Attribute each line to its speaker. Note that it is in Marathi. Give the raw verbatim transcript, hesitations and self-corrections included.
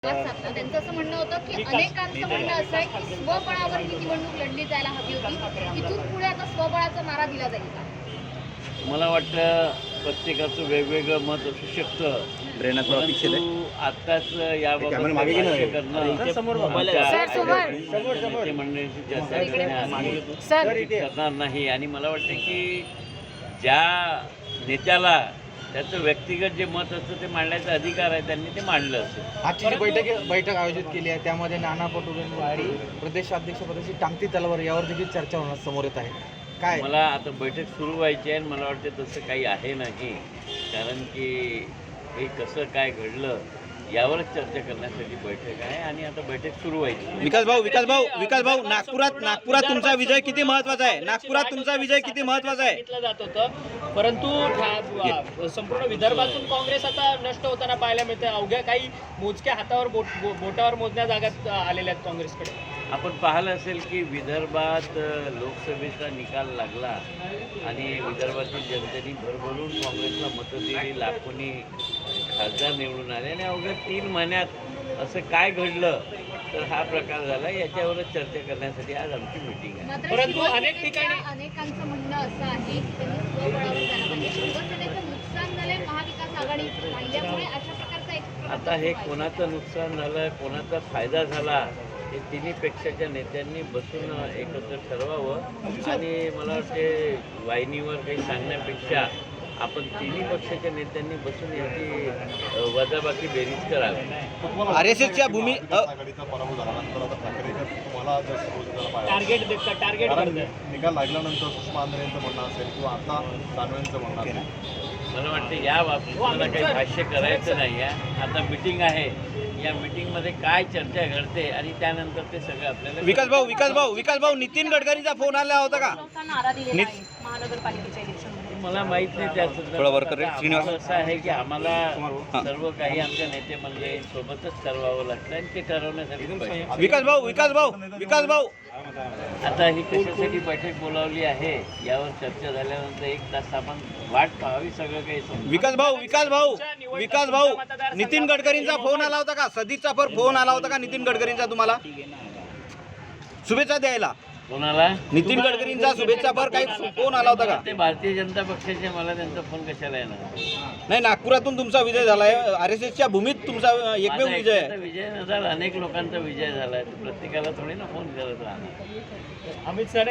Speaker 1: त्यांचं असं म्हणणं होतं की अनेकांचं म्हणणं असं आहे की स्वबळावर ही निवडणूक लढली जायला हवी होती, इथून पुढे आता स्वबळाचा मारा दिला जाईल का?
Speaker 2: मला वाटतं प्रत्येकाचं वेगवेगळं मत असू शकतं. परंतु आत्ताच याबाबत भाष्य करणं मंडळींची चर्चा करणार नाही. आणि मला वाटतं की ज्या नेत्याला त्याचं व्यक्तिगत जे मत असतं ते मांडण्याचा अधिकार आहे, त्यांनी ते मांडलं असेल.
Speaker 3: आजची जी बैठक बैठक आयोजित केली आहे त्यामध्ये नाना पटोलेंवरती प्रदेशाध्यक्षपदाची टांगती तलवार यावर देखील चर्चा होणार समोर येत आहे. काय
Speaker 2: मला आता बैठक सुरू व्हायची आहे आणि मला वाटतं तसं काही आहे नाही, कारण की हे कसं काय घडलं यावरच चर्चा करण्यासाठी बैठक आहे आणि आता बैठक सुरू व्हायची.
Speaker 4: विकास भाऊ विकास भाऊ विकास भाऊ नागपुरात नागपुरात तुमचा विजय किती महत्वाचा आहे? नागपुरात तुमचा विजय किती महत्वाचा आहे?
Speaker 5: सांगितलं जात होतं, परंतु संपूर्ण विदर्भातून काँग्रेस आता नष्ट होताना पाहायला मिळते. अवघ्या काही मोजक्या हातावर बोट बोटावर मोजण्या जागात आलेल्या आहेत काँग्रेसकडे.
Speaker 2: आपण पाहिलं असेल की विदर्भात लोकसभेचा निकाल लागला आणि विदर्भातील जनतेने भरभरून काँग्रेसला मतं दिली, लाखोनी खासदार निवडून आले आणि अवघ्या तीन महिन्यात असं काय घडलं तर हा प्रकार झाला. याच्यावरच चर्चा करण्यासाठी आज आमची मीटिंग आहे.
Speaker 5: परंतु अनेक ठिकाणी
Speaker 1: अनेकांचं म्हणणं असं आहे की त्यांनी स्वबळावर जायला पाहिजे. शिवसेनेचं नुकसान झालंय महाविकास आघाडी राहिल्यामुळे अशा प्रकारचा एक
Speaker 2: आता हे कोणाचं नुकसान झालं, कोणाचा फायदा झाला हे तिन्ही पेक्षाच्या नेत्यांनी बसून एकत्र ठरवावं. आणि मला वाटते वाहिनीवर काही सांगण्यापेक्षा आपण तिन्ही पक्षाच्या नेत्यांनी बसून याची वजाबाकी बेरीज करावी.
Speaker 4: आर एस एसच्या भूमी
Speaker 6: आघाडीचा पराभव झाल्यानंतर आता ठाकरे तुम्हाला
Speaker 5: टार्गेट टार्गेट
Speaker 6: निकाल लागल्यानंतर सुषमा आंध्रे यांचं म्हणणं असेल किंवा आता दानवेंचं म्हणणं असेल.
Speaker 2: मला वाटतं या बाबतीत मला काही भाष्य करायचं नाही आहे. आता मिटिंग आहे, या मिटिंगमध्ये काय चर्चा घडते आणि त्यानंतर ते सगळं आपल्याला.
Speaker 4: विकास भाऊ विकास भाऊ विकास भाऊ नितीन गडकरींचा फोन आला होता का?
Speaker 1: महानगरपालिकेच्या इलेक्शन
Speaker 2: मला माहित नाही त्याचं.
Speaker 4: थोडं वर कर रे, श्रीनिवास.
Speaker 2: असं आहे की आम्हाला सर्व काही आमच्या नेते मंडळी सोबतच ठरवावं लागतं आणि ते ठरवण्यासाठी बैठक.
Speaker 4: विकास भाऊ विकास भाऊ विकास भाऊ
Speaker 2: आता ही कशासाठी बैठक बोलावली आहे यावर चर्चा झाल्यानंतर एक तास आपण वाट पाहावी, सगळं काही समजेल.
Speaker 4: विकास भाऊ विकास भाऊ विकास भाऊ नितीन गडकरींचा फोन आला होता का? सदीचा पर फोन आला होता का नितीन गडकरींचा तुम्हाला शुभेच्छा द्यायला?
Speaker 2: कोणाला?
Speaker 4: नितीन गडकरींचा शुभेच्छा पर काही फोन आला होता का?
Speaker 2: ते भारतीय जनता पक्षाचे, मला त्यांचा फोन कशाला येणार?
Speaker 4: नाही, नागपुरातून तुमचा विजय झालाय. आर एस एसच्या भूमीत तुमचा एकमेव
Speaker 2: माझा
Speaker 4: विजय
Speaker 2: एकट्याचा
Speaker 4: आहे.
Speaker 2: विजय नसाल, अनेक लोकांचा विजय झालाय. प्रत्येकाला थोडी ना फोन करत राहणार.
Speaker 5: अमित सर